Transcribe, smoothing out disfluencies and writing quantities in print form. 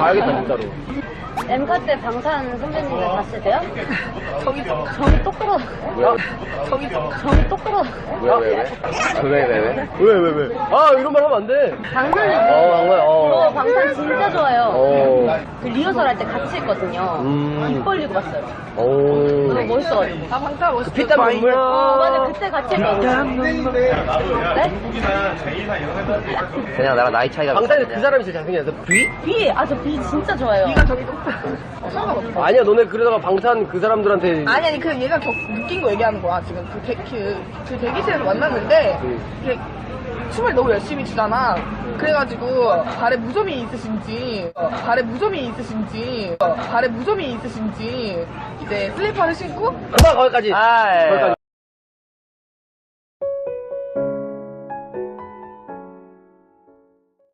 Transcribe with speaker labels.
Speaker 1: 가야겠다 진짜로.
Speaker 2: 엠카 때 방탄 선배님들 봤을 때요?
Speaker 3: 저기
Speaker 2: 정이 똑 끌어. 정이 똑 끌어.
Speaker 1: 왜? 아 이런 말 하면 안 돼.
Speaker 2: 방탄이
Speaker 1: 한 거야.
Speaker 2: 저 방탄 진짜 좋아요.
Speaker 1: 어.
Speaker 2: 그 리허설 할 때 같이 했거든요. 입 벌리고 봤어요.
Speaker 1: 오.
Speaker 2: 너무 멋있어가지고.
Speaker 3: 아 방탄 멋있어.
Speaker 1: 피땀 눈물.
Speaker 2: 맞아, 그때 같이 했거든요. 네?
Speaker 4: 그냥 나랑 나이 차이가
Speaker 1: 방탄에서 그 사람이 제일 잘생겼어. 비?
Speaker 2: 비! 아, 저 비 진짜 좋아해요.
Speaker 3: 네가 저기 높아. 상관없어.
Speaker 1: 아니야 너네 그러다가 방탄 그 사람들한테.
Speaker 3: 아니 그 얘가 느낀 거 얘기하는 거야 지금 그 대기실에서 만났는데 이렇게 춤을 너무 열심히 추잖아. 그래가지고 발에 무좀이 있으신지 이제 슬리퍼를 신고
Speaker 1: 거기까지.
Speaker 4: 아, 예.
Speaker 1: 거기까지.